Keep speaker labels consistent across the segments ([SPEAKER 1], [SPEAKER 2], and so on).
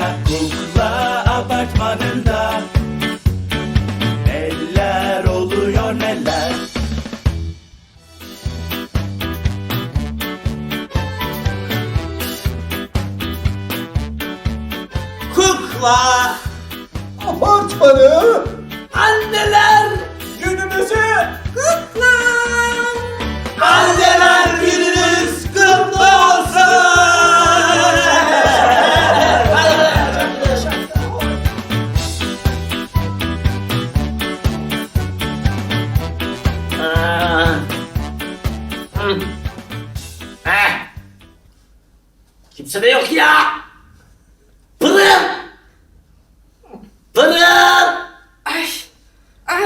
[SPEAKER 1] apartmanında, kukla apartmanında. Neler oluyor neler?
[SPEAKER 2] Kukla
[SPEAKER 3] Apartmanı.
[SPEAKER 2] anneler gününüzü kutla. Anneler gününüz kutlu olsun. Kimse de yok ya. Pırıl. Pırıl.
[SPEAKER 4] Ay,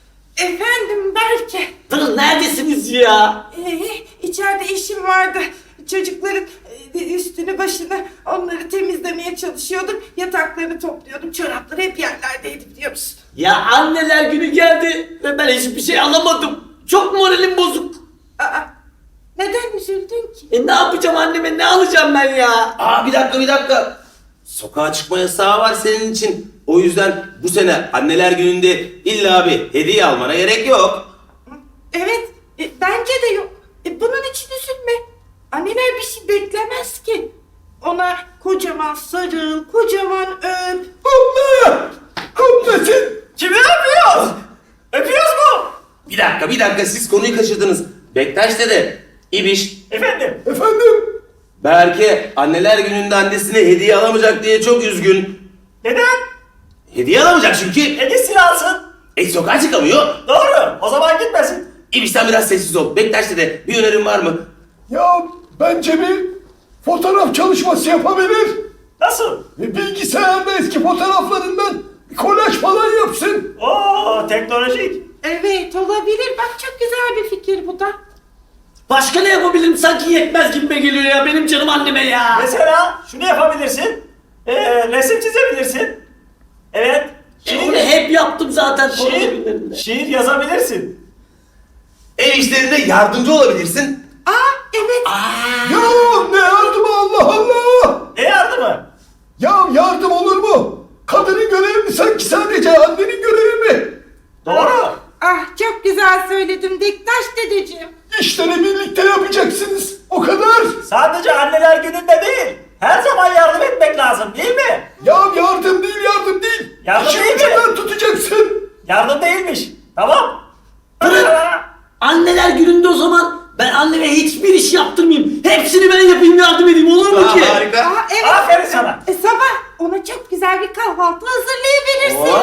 [SPEAKER 4] efendim Berke.
[SPEAKER 2] Pırıl neredesiniz ya?
[SPEAKER 4] İçeride işim vardı. Çocukların üstünü başını onları temizlemeye çalışıyordum. Yataklarını topluyordum. Çorapları hep yerlerdeydi biliyor musun?
[SPEAKER 2] Ya anneler günü geldi ve ben hiçbir şey alamadım. Çok moralim bozuk.
[SPEAKER 4] Aa, neden üzüldün ki?
[SPEAKER 2] Ne yapacağım anneme, ne alacağım ben ya?
[SPEAKER 5] Aa bir dakika. Sokağa çıkma yasağı var senin için. O yüzden bu sene anneler gününde illa bir hediye almana gerek yok.
[SPEAKER 4] Evet, bence de yok. Bunun için üzülme. Anneler bir şey beklemez ki. Ona kocaman sarıl, kocaman öp.
[SPEAKER 3] Allah! Kutlasın.
[SPEAKER 2] Kimi öpüyoruz? Öpüyoruz mu?
[SPEAKER 5] Bir dakika siz konuyu kaçırdınız. Bektaş dede, İbiş,
[SPEAKER 2] Efendim?
[SPEAKER 3] Efendim?
[SPEAKER 5] Berke anneler gününde annesine hediye alamayacak diye çok üzgün.
[SPEAKER 2] Neden?
[SPEAKER 5] Hediye alamayacak çünkü.
[SPEAKER 2] Hediyesini alsın.
[SPEAKER 5] Sokağa çıkamıyor.
[SPEAKER 2] Doğru. O zaman gitmesin.
[SPEAKER 5] İbiş sen biraz sessiz ol. Bektaş dede bir önerin var mı?
[SPEAKER 3] Ya bence bir fotoğraf çalışması yapabilir.
[SPEAKER 2] Nasıl?
[SPEAKER 3] Bilgisayarda eski fotoğraflarından bir kolaj falan yapsın.
[SPEAKER 2] Oo, teknolojik.
[SPEAKER 4] Evet, olabilir. Bak çok güzel bir fikir bu da.
[SPEAKER 2] Başka ne yapabilirim? Sanki yetmez gibime geliyor ya benim canım anneme ya.
[SPEAKER 6] Mesela şunu yapabilirsin. Resim çizebilirsin. Evet.
[SPEAKER 2] Onu hep yaptım zaten. korona
[SPEAKER 6] Şiir,
[SPEAKER 2] günlerinde.
[SPEAKER 6] şiir yazabilirsin.
[SPEAKER 5] Ev işlerinde yardımcı olabilirsin.
[SPEAKER 4] Evet.
[SPEAKER 3] Ya ne yardımı Allah Allah!
[SPEAKER 6] Ne yardımı?
[SPEAKER 3] Ya yardım olur mu? Kadının görevi mi sanki sadece annenin görevi mi?
[SPEAKER 6] Doğru.
[SPEAKER 4] Çok güzel söyledim Bektaş dedeciğim.
[SPEAKER 3] İşleri birlikte yapacaksınız. O kadar.
[SPEAKER 6] Sadece anneler gününde değil. Her zaman yardım etmek lazım değil mi?
[SPEAKER 3] Ya yardım değil.
[SPEAKER 6] Yardım
[SPEAKER 3] İşin
[SPEAKER 6] değil mi?
[SPEAKER 3] ucundan tutacaksın.
[SPEAKER 6] Yardım değilmiş. Tamam.
[SPEAKER 2] Pırıl. Anneler gününde o zaman ben anneme hiçbir iş yaptırmayayım. Hepsini ben yapayım, yardım edeyim, olur mu ki?
[SPEAKER 5] Harika.
[SPEAKER 4] Evet.
[SPEAKER 6] Aferin sana.
[SPEAKER 4] Sabah ona çok güzel bir kahvaltı hazırlayabilirsin.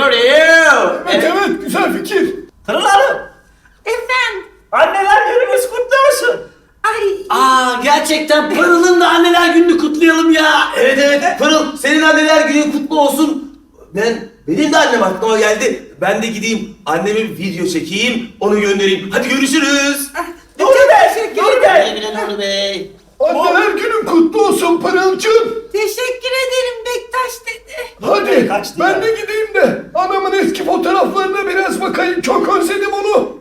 [SPEAKER 3] Evet güzel fikir.
[SPEAKER 6] Pırıl Hanım.
[SPEAKER 4] Efendim.
[SPEAKER 6] Anneler gününüz kutlu olsun.
[SPEAKER 4] Ay.
[SPEAKER 2] Gerçekten Pırıl'ın da anneler gününü kutlayalım ya.
[SPEAKER 5] Evet Pırıl senin anneler günün kutlu olsun. Benim de annem aklıma geldi. Ben de gideyim anneme bir video çekeyim onu göndereyim. Hadi görüşürüz.
[SPEAKER 6] Nuri Bey.
[SPEAKER 4] Teşekkür
[SPEAKER 6] Nuri
[SPEAKER 4] ederim.
[SPEAKER 6] Bey.
[SPEAKER 2] Güle güle Nuri Bey.
[SPEAKER 3] Anneler günün kutlu olsun Pırıl'cığım.
[SPEAKER 4] Teşekkür ederim Bektaş dedi.
[SPEAKER 3] Hadi
[SPEAKER 6] Kaçtı
[SPEAKER 3] ben
[SPEAKER 6] ya.
[SPEAKER 3] de gideyim de anamın eski fotoğraflarına biraz bakayım. Çok özledim onu.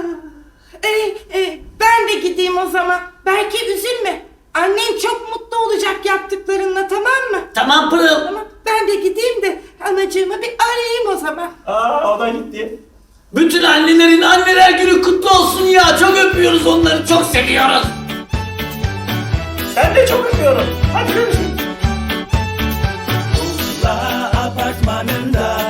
[SPEAKER 4] Ben de gideyim o zaman. Belki üzülme. Annen çok mutlu olacak yaptıklarınla, tamam mı?
[SPEAKER 2] Tamam Pırıl.
[SPEAKER 4] Tamam. Ben de gideyim de anacığımı bir arayayım o zaman.
[SPEAKER 6] O da gitti.
[SPEAKER 2] Bütün annelerin anneler günü kutlu olsun ya. Çok öpüyoruz onları, çok seviyoruz.
[SPEAKER 6] Ben de çok öpüyorum. Hadi görüşürüz.
[SPEAKER 1] Kukla apartmanında.